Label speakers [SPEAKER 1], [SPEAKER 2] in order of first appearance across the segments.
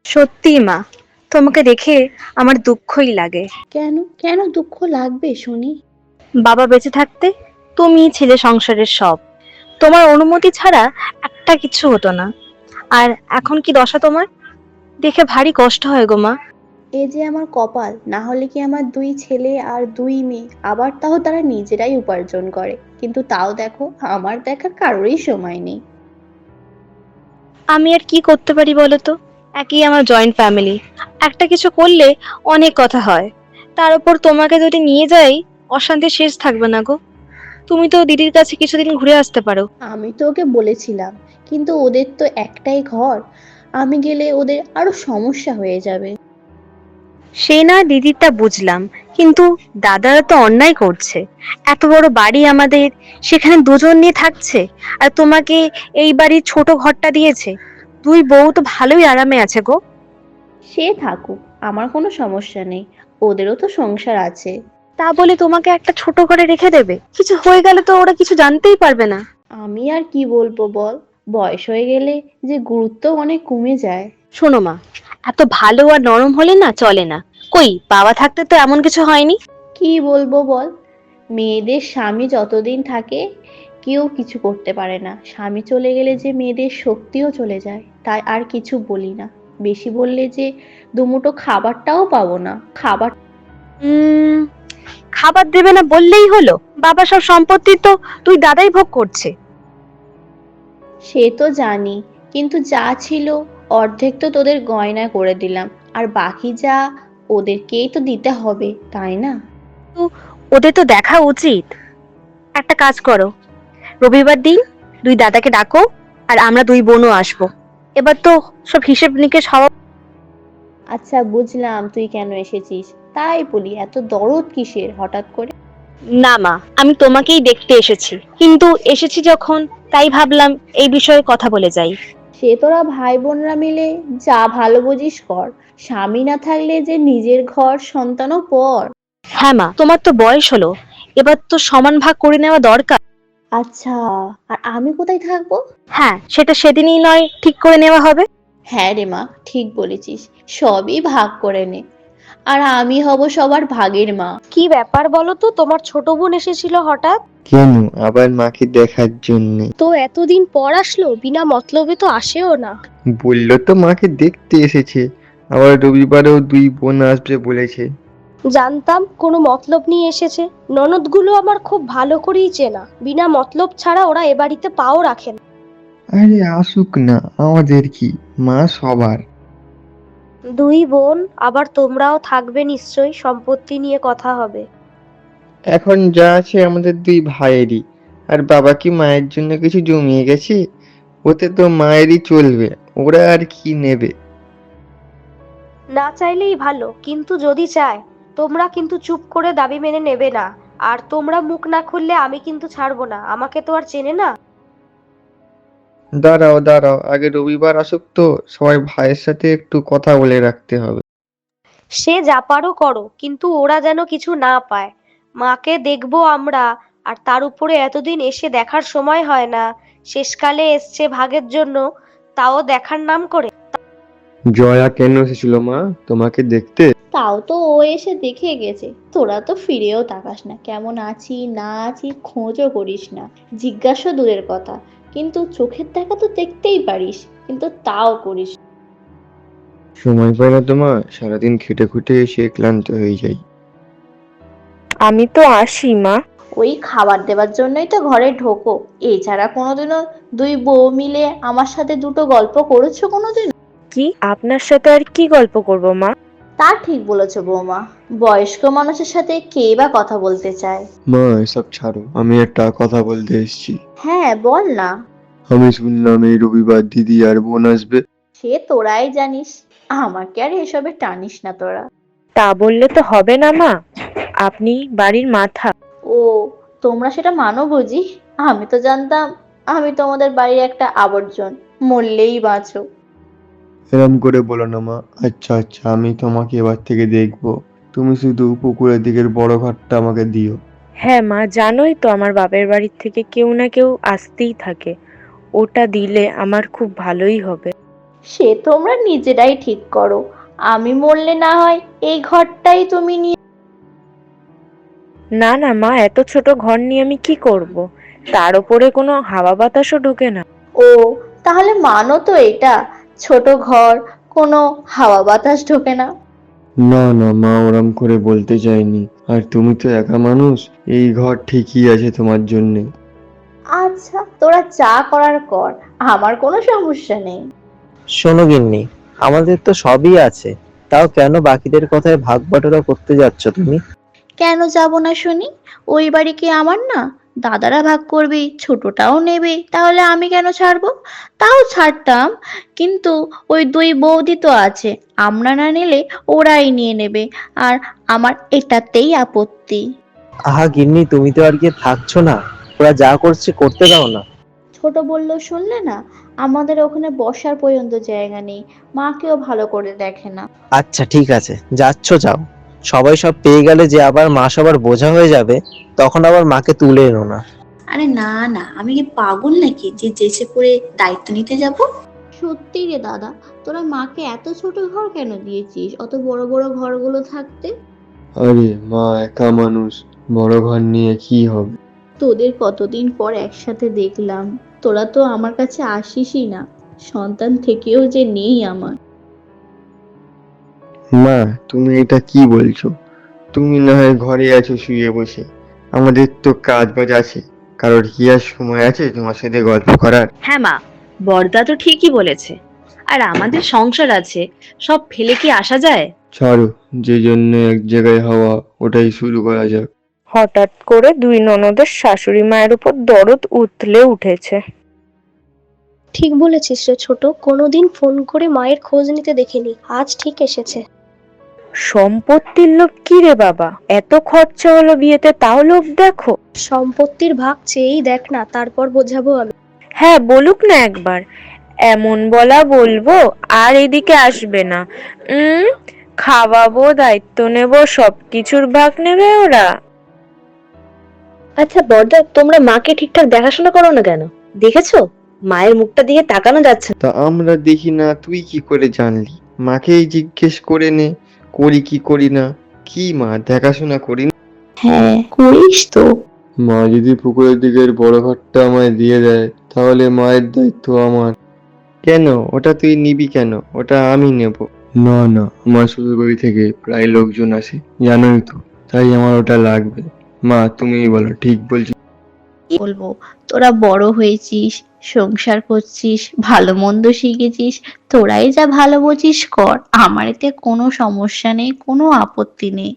[SPEAKER 1] সত্যি মা, তোমাকে দেখে আমার দুঃখই লাগে।
[SPEAKER 2] কেন কেন দুঃখ লাগবে শুনি?
[SPEAKER 1] বাবা বেঁচে থাকতে তুমি ছিলে সংসারের সব। তোমার অনুমতি ছাড়া একটা কিছু হতো না। আর এখন কি দশা তোমার, দেখে ভারী কষ্ট হয় গো মা।
[SPEAKER 2] এ যে আমার কপাল, না হলে কি আমার দুই ছেলে আর দুই মেয়ে, আবার তাও তারা নিজেরাই উপার্জন করে, কিন্তু তাও দেখো আমার দেখার কারোরই সময় নেই।
[SPEAKER 1] আমি আর কি করতে পারি বলো তো? একই আমার জয়েন্ট ফ্যামিলি, একটা কিছু করলে অনেক কথা হয়। তার উপর তোমাকে যদি নিয়ে যাই, অশান্তি শেষ থাকবে না গো। তুমি তো দিদির কাছে কিছুদিন ঘুরে আসতে পারো।
[SPEAKER 2] আমি তো ওকে বলেছিলাম, কিন্তু ওদের তো একটাই ঘর, আমি গেলে ওদের আরো সমস্যা হয়ে যাবে।
[SPEAKER 1] সে না দিদিরটা বুঝলাম, কিন্তু দাদারা তো অন্যায় করছে। এত বড় বাড়ি আমাদের, সেখানে দুজন নিয়ে থাকছে, আর তোমাকে এই বাড়ির ছোট ঘরটা দিয়েছে। দুই বউ তো ভালোই আরামে আছে গো।
[SPEAKER 2] সে থাকুক, আমার কোনো সমস্যা নেই, ওদেরও তো সংসার আছে।
[SPEAKER 1] তা বলে তোমাকে একটা ছোট ঘরে রেখে দেবে? কিছু হয়ে গেলে তো ওরা কিছু জানতেই পারবে না।
[SPEAKER 2] আমি আর কি বলবো বল, বয়স হয়ে গেলে যে গুরুত্ব অনেক কমে যায়।
[SPEAKER 1] শোনো মা, এত ভালো আর নরম হলে না চলে না। কই বাবা থাকতে তো এমন কিছু হয়নি।
[SPEAKER 2] কি বলবো বল, মেয়েদের স্বামী যতদিন থাকে কেউ কিছু করতে পারে না, স্বামী চলে গেলে যে মেয়েদের শক্তিও চলে যায়, তাই আর কিছু বলি না। বেশি বললে যে দুমুঠো খাবারটাও পাবো না, খাবার।
[SPEAKER 1] উম খাবার দেবে না বললেই হলো? বাবা সব সম্পত্তি তো তুই দাদাই ভোগ করছে।
[SPEAKER 2] সে তো জানি, কিন্তু যা ছিল অর্ধেক তো তোদের গয়না করে দিলাম, আর বাকি যা ওদেরকেই তো দিতে হবে, তাই না?
[SPEAKER 1] তো ওদের তো দেখা উচিত। একটা কাজ করো, রবিবার দিন দুই দাদাকে ডাকো, আর আমরা দুই বোনও আসবো। এবার তো সব হিসেব নিকেশ হওয়া।
[SPEAKER 2] আচ্ছা বুঝলাম তুই কেন এসেছিস, তাই বলি এত দরদ কিসের হঠাৎ করে?
[SPEAKER 1] না মা, আমি তোমাকেই দেখতে এসেছি, কিন্তু এসেছি যখন, তাই ভাবলাম এই বিষয়ে কথা বলে যাই।
[SPEAKER 2] সে তোরা ভাই বোনরা মিলে যা ভালো বুঝিস কর, স্বামী না থাকলে যে নিজের ঘর সন্তানও পর।
[SPEAKER 1] হ্যাঁ মা, তোমার তো বয়স হলো, এবার তো সমান ভাগ করে নেওয়া দরকার।
[SPEAKER 2] আচ্ছা, আর আমি কোথায় থাকবো?
[SPEAKER 1] হ্যাঁ, সেটা সেদিনই নয় ঠিক করে নেওয়া হবে।
[SPEAKER 2] হ্যাঁ রে মা, ঠিক বলেছিস, সবই ভাগ করে নে, আর আমি হব সবার ভাগের মা।
[SPEAKER 3] কি ব্যাপার বলো তো, তোমার ছোট বোন এসেছিল হঠাৎ?
[SPEAKER 4] কেন আবার মাকে দেখার জন্য?
[SPEAKER 3] তো এতদিন পর আসলো, বিনা মতলবে তো আসেও না।
[SPEAKER 4] বললো তো মাকে দেখতে এসেছে, আবার রবিবারেও দুই বোন আসবে বলেছে।
[SPEAKER 3] জানতাম কোনো মতলব নিয়ে এসেছে। ননদগুলো আমার খুব ভালো করেই চেনা, বিনা মতলব ছাড়া ওরা এ বাড়িতে পাও রাখে না।
[SPEAKER 4] আরে আসুক না, আমাদের কি, মা সবার।
[SPEAKER 3] দুই বোন, আবার তোমরাও থাকবে নিশ্চয়ই, সম্পত্তি নিয়ে কথা হবে।
[SPEAKER 4] এখন যা আছে আমাদের দুই ভাইয়েরই। আর বাবা কি মায়ের জন্য কিছু জমিয়ে গেছে? ওতে তো মায়েরই চলবে, ওরা আর কি নেবে?
[SPEAKER 3] না চাইলেই ভালো, কিন্তু যদি চায়, তোমরা কিন্তু চুপ করে দাবি মেনে নেবে না। আর তোমরা মুখ না খুললে আমি কিন্তু ছাড়বো না, আমাকে তো আর চেনে না।
[SPEAKER 4] দাঁড়াও দাঁড়াও, আগে রবিবার আসুক তো, সবাই ভাইয়ের সাথে একটু কথা বলে রাখতে হবে।
[SPEAKER 3] সে যা পারো করো, কিন্তু ওরা যেন কিছু না পায়। মাকে দেখবো আমরা, আর তার উপরে এতদিন এসে দেখার সময় হয় না। শেষকালে এসছে ভাগের জন্য, তাও দেখার নাম করে।
[SPEAKER 4] জয়া কেন এসেছিল মা তোমাকে দেখতে?
[SPEAKER 2] তাও তো ও এসে দেখে গেছে, তোরা তো ফিরেও তাকাস না, কেমন আছি না আছি খোঁজও করিস না, জিজ্ঞাসা দূরের কথা, কিন্তু চোখের দেখা তো দেখতেই পারিস, কিন্তু তাও করিস না।
[SPEAKER 4] সময় পাই না তোমার, সারাদিন খেটে খুঁটে এসে ক্লান্ত হয়ে যাই।
[SPEAKER 1] আমি তো আসি মা।
[SPEAKER 2] ওই খাবার দেওয়ার জন্যই তো ঘরে ঢোকো, এছাড়া কোনোদিনও দুই বউ মিলে আমার সাথে দুটো গল্প করেছো কোনোদিন?
[SPEAKER 1] কি আপনার সাথে আর কি গল্প করব মা?
[SPEAKER 2] তা ঠিক বলেছো বৌমা, বয়স্ক মানুষের সাথে কে বা কথা বলতে চায়।
[SPEAKER 4] মা এসব ছাড়ো, আমি একটা কথা বলতে এসেছি।
[SPEAKER 2] হ্যাঁ বল না।
[SPEAKER 4] আমি শুনলাম এই রবিবার দিদি আর বোন আসবে।
[SPEAKER 2] সে তোরাই জানিস, আমাকে আর এসবে টানিস না তোরা।
[SPEAKER 1] তা বললে তো হবে না মা, আপনি বাড়ির মাথা।
[SPEAKER 2] ও, তোমরা সেটা মানো বুঝি? আমি তো জানতাম আমি তোমাদের বাড়ির একটা আবর্জন, মরলেই বাঁচো।
[SPEAKER 4] এরম করে বলো না মা। আচ্ছা আচ্ছা, আমি তোমাকে এবার থেকে দেখবো। তুমি শুধু পুকুরের দিকের বড় ঘরটা আমাকে দিও।
[SPEAKER 1] হ্যাঁ মা, জানোই তো আমার বাপের বাড়ির থেকে কেউ না কেউ আসতেই থাকে। ওটা দিলে আমার খুব ভালোই হবে।
[SPEAKER 2] সে তোমরা নিজেরাই ঠিক করো, আমি মরলে না হয় এই ঘরটাই তুমি নিয়ে।
[SPEAKER 5] না না মা, এত ছোট ঘর নিয়ে আমি কি করব? তার উপরে কোনো হাওয়া বাতাসও ঢোকে না।
[SPEAKER 2] ও, তাহলে মানো তো এটা, ছোট ঘর, কোনো হাওয়া বাতাস ঢোকে না।
[SPEAKER 4] না না মা, ওরম করে বলতে চাইনি। আর তুমি তো একা মানুষ, এই ঘর ঠিকই আছে তোমার জন্যে।
[SPEAKER 2] আচ্ছা, তোরা যা করার কর, আমার কোনো সমস্যা নেই।
[SPEAKER 6] শোনো গিন্নি, আমাদের তো সবই আছে, তাও কেন বাকিদের কথায় ভাগ বাটোয়ারা করতে যাচ্ছ তুমি?
[SPEAKER 2] কেন যাব না শুনি? ওই বাড়ি কি আমার না? দাদারা ভাগ করবে, ছোটটাও নেবে, তাহলে আমি কেন ছাড়বো? তাও ছাড়তাম, কিন্তু ওই দুই বৌদি তো আছে, আমরা না নিলে ওরাই নিয়ে নেবে, আর আমার এটাতেই আপত্তি।
[SPEAKER 6] আহা গিন্নি, তুমি তো আর কি থাকছো না, ওরা যা করছে করতে দাও না।
[SPEAKER 2] ছোট বলল শুনলে না? আমাদের ওখানে বসার পর্যন্ত জায়গা নেই, মাকেও ভালো করে দেখে না।
[SPEAKER 6] আচ্ছা ঠিক আছে, যাচ্ছ যাও, সবাই সব পেয়ে গেলে যে আবার মা সবার বোঝা হয়ে যাবে, তখন আবার মাকে তুলে এনো না।
[SPEAKER 7] আরে না না, আমি কি পাগল নাকি যে জেসে পড়ে দায়িত্ব নিতে যাব?
[SPEAKER 2] সত্যি রে দাদা, তোরা মাকে এত ছোট ঘর কেন দিয়েছিস, অত বড় বড় ঘরগুলো থাকতে?
[SPEAKER 4] আরে মা একা মানুষ, বড় ঘর নিয়ে কি হবে?
[SPEAKER 2] তোদের কতদিন পর একসাথে দেখলাম, তোরা তো আমার কাছে আসিসই না, সন্তান থেকেও যে নেই আমার।
[SPEAKER 4] মা তুমি এটা কি বলছো? তুমি না হয় ঘরে আছো শুয়ে বসে, আমাদের তো কাজ বাজ আছে। কারোর কি আর সময় আছে তোমার সাথে গল্প করার?
[SPEAKER 1] হ্যাঁ মা, বড়দা তো ঠিকই বলেছে। আর আমাদের সংসার আছে, সব ফেলে কি আসা যায়?
[SPEAKER 4] ছাড়ো, যে জন্য এক জায়গায় হওয়া, ওটাই শুরু করা যাক।
[SPEAKER 5] হঠাৎ করে দুই ননদের শাশুড়ি মায়ের উপর দরদ উতলে উঠেছে।
[SPEAKER 3] ঠিক বলেছিস রে ছোট, কোনোদিন ফোন করে মায়ের খোঁজ নিতে দেখিনি, আজ ঠিক এসেছে।
[SPEAKER 5] সম্পত্তির লোভ কি রে বাবা? এত খরচা হলো বিয়েতে, তাও লোভ দেখো।
[SPEAKER 3] সম্পত্তির ভাগ চেয়েই দেখ না, তারপর বোঝাবো আমি।
[SPEAKER 5] হ্যাঁ বলুক না একবার, এমন বলা বলবো আর এদিকে আসবে না। উম খাওয়াবো, দায়িত্ব নেব, সবকিছুর ভাগ নেবে ওরা।
[SPEAKER 1] আচ্ছা বড়দা, তোমরা মাকে ঠিকঠাক দেখাশোনা করো না কেন? দেখেছো, মায়ের মুখটা দিয়ে তাকানো যাচ্ছে না।
[SPEAKER 4] তা আমরা দেখি না, তুই কি করে জানলি? মাকেই জিজ্ঞেস করে নে, করি কি করি না। কি মা, দেখাশোনা করি না?
[SPEAKER 7] হ্যাঁ, করিস তো।
[SPEAKER 4] মা যদি পুকুরের দিকের বড় ঘরটা আমায় দিয়ে দেয়, তাহলে মায়ের দায়িত্ব আমার। কেন, ওটা তুই নিবি কেন? ওটা আমি নেব। না না, আমার শ্বশুর বাড়ি থেকে প্রায় লোকজন আসে, জানোই তো, তাই আমার ওটা লাগবে। মা তুমিই বলো, ঠিক বলছি?
[SPEAKER 2] কি বলবো, তোরা বড় হয়েছিস, সংসার করছিস, ভালো মন্দ শিখেছিস, তোরাই যা ভালো বুঝিস কর, আমার এতে কোনো সমস্যা নেই, কোনো আপত্তি নেই।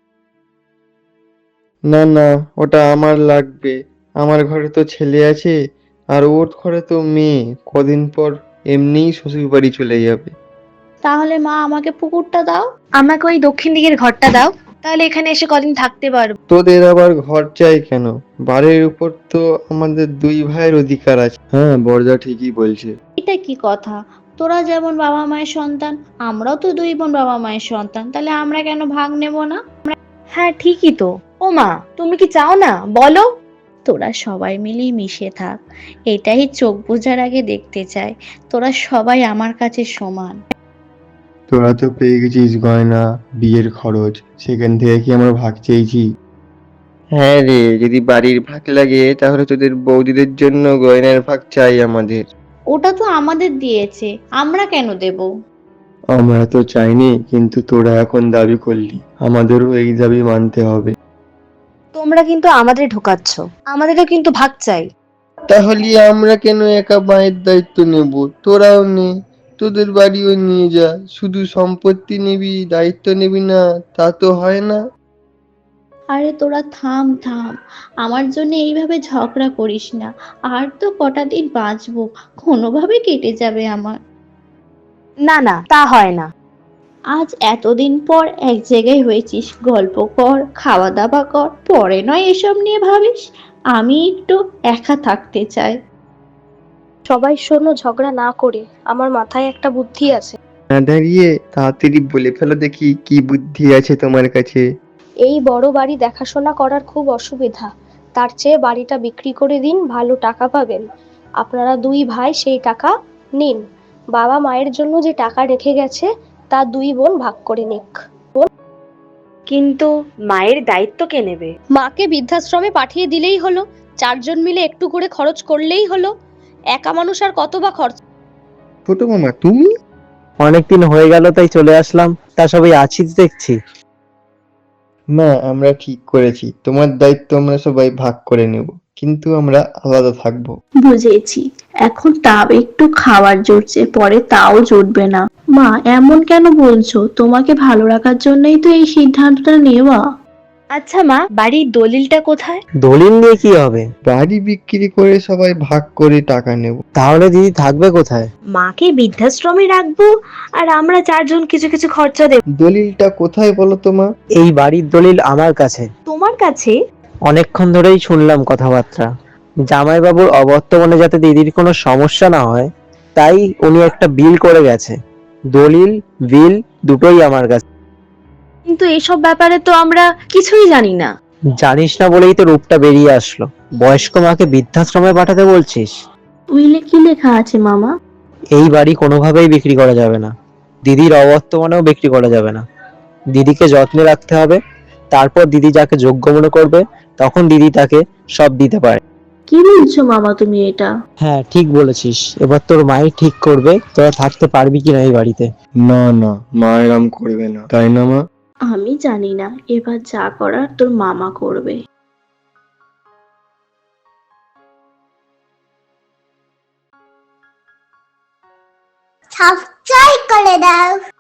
[SPEAKER 4] না না, ওটা আমার লাগবে। আমার ঘরে তো ছেলে আছে, আর ওর ঘরে তো মেয়ে, কদিন পর এমনিই শ্বশুর বাড়ি চলে যাবে।
[SPEAKER 2] তাহলে মা আমাকে পুকুরটা দাও।
[SPEAKER 1] আমাকে ওই দক্ষিণ দিকের ঘরটা দাও, তাহলে এখানে এসে কদিন থাকতে পারবো।
[SPEAKER 4] তোদের আবার ঘর চাই কেন? বাড়ির উপর তো আমাদের দুই ভাইয়ের অধিকার আছে। হ্যাঁ, বড়দা ঠিকই বলছে।
[SPEAKER 2] এটা কি কথা? তোরা যেমন বাবা মায়ের সন্তান, আমরাও তো দুই বোন বাবা মায়ের সন্তান, তাহলে আমরা কেন ভাগ নেব না?
[SPEAKER 1] হ্যাঁ ঠিকই তো। ও মা, তুমি কি চাও না বলো?
[SPEAKER 2] তোরা সবাই মিলেই মিশে থাক, এটাই চোখ বোঝার আগে দেখতে চাই, তোরা সবাই আমার কাছে সমান।
[SPEAKER 4] তোরা তো পেয়ে গেছিস গয়না, বিয়ের খরচ, সেখান থেকে কি আমরা ভাগ চেয়েছি? হ্যাঁ রে, যদি বাড়ির ভাগ লাগে তাহলে তোদের বৌদিদের জন্য গয়নার ভাগ চাই আমাদের।
[SPEAKER 2] ওটা তো আমাদের দিয়েছে, আমরা কেন দেব?
[SPEAKER 4] আমরা তো চাইনি, কিন্তু তোরা এখন দাবি করলি, আমাদেরও এই দাবি মানতে হবে।
[SPEAKER 1] তোমরা কিন্তু আমাদের ঢোকাচ্ছ, আমাদেরও কিন্তু ভাগ চাই।
[SPEAKER 4] তাহলে আমরা কেন একা মায়ের দায়িত্ব নেব? তোরাও নে, তোদের বাড়িও নিয়ে যা। শুধু সম্পত্তি নিবি, দায়িত্ব নিবি না, তা তো হয় না।
[SPEAKER 2] আরে তোরা থাম থাম, আমার জন্য এইভাবে ঝগড়া করিস না, আর তো কটা দিন বাঁচবো, কোনোভাবে কেটে যাবে আমার।
[SPEAKER 1] না না, তা হয় না।
[SPEAKER 2] আজ এতদিন পর এক জায়গায় হয়েছিস, গল্প কর, খাওয়া দাওয়া কর, পরে নয় এসব নিয়ে ভাবিস। আমি একটু একা থাকতে চাই।
[SPEAKER 3] সবাই শোনো, ঝগড়া না করে, আমার মাথায় একটা বুদ্ধি আছে।
[SPEAKER 4] না দাঁড়িয়ে তাড়াতাড়ি বলে ফেলো দেখি, কি বুদ্ধি আছে তোমার কাছে?
[SPEAKER 3] এই বড় বাড়ি দেখাশোনা করার খুব অসুবিধা, তার চেয়ে বাড়িটা বিক্রি করে দিন, ভালো টাকা পাবেন। আপনারা দুই ভাই সেই টাকা নিন, বাবা মায়ের জন্য যে টাকা রেখে গেছে তা দুই বোন ভাগ করে নিক।
[SPEAKER 1] কিন্তু মায়ের দায়িত্ব কে নেবে?
[SPEAKER 3] মাকে বৃদ্ধাশ্রমে পাঠিয়ে দিলেই হলো, 4জন মিলে একটু করে খরচ করলেই হলো। একা মানুষ আর কত বা খরচ।
[SPEAKER 4] ছোট মামা তুমি?
[SPEAKER 6] অনেকদিন হয়ে গেল তাই চলে আসলাম। তা সবাই আছিস দেখছি।
[SPEAKER 4] না, আমরা ঠিক করেছি তোমার দায়িত্ব আমরা সবাই ভাগ করে নেব, কিন্তু আমরা আলাদা থাকবো।
[SPEAKER 2] বুঝেছি। এখন তাও একটু খাবার জুটছে, পরে তাও জুটবে না। মা, এমন কেন বলছো? তোমাকে ভালো রাখার জন্যই তো এই সিদ্ধান্তটা নেওয়া।
[SPEAKER 1] আচ্ছা মা, বাড়ির দলিলটা কোথায়?
[SPEAKER 6] দলিল নিয়ে কি হবে?
[SPEAKER 4] বাড়ি বিক্রি করে সবাই ভাগ করে টাকা নেব।
[SPEAKER 6] তাহলে দিদি থাকবে কোথায়?
[SPEAKER 1] মাকে বৃদ্ধাশ্রমে রাখবো আর আমরা 4জন কিছু কিছু খরচা দেব।
[SPEAKER 4] দলিলটা কোথায় বলো তো মা?
[SPEAKER 6] এই বাড়ির দলিল আমার কাছে।
[SPEAKER 1] তোমার কাছে?
[SPEAKER 6] অনেকক্ষণ ধরেই শুনলাম কথাবার্তা। জামাইবাবুর অবর্তমানে যাতে দিদির কোনো সমস্যা না হয়, তাই উনি একটা বিল করে গেছে। দলিল বিল দুটোই আমার কাছে।
[SPEAKER 1] কিন্তু এসব ব্যাপারে তো আমরা কিছুই জানি না।
[SPEAKER 6] জানিস না বলেই তো রূপটা বেরিয়ে আসলো। বয়স্ক মাকে বৃদ্ধাশ্রমে পাঠাতে বলছিস?
[SPEAKER 2] উইলে কি লেখা আছে মামা?
[SPEAKER 6] এই বাড়ি কোনোভাবেই বিক্রি করা যাবে না। দিদির অবর্তমানেও বিক্রি করা যাবে না। দিদিকে যত্নে রাখতে হবে। তারপর দিদি যাকে যোগ্য মনে করবে, তখন দিদি তাকে সব দিতে পারে।
[SPEAKER 2] কি বলছো মামা তুমি এটা?
[SPEAKER 6] হ্যাঁ, ঠিক বলেছিস। এবার তোর মাই ঠিক করবে তোরা থাকতে পারবি কিনা এই বাড়িতে।
[SPEAKER 4] না না, মা এরম করবে না, তাই না মা?
[SPEAKER 2] আমি জানি না, এবার যা করার তোর মামা করবে।
[SPEAKER 8] সাবস্ক্রাইব করে দাও।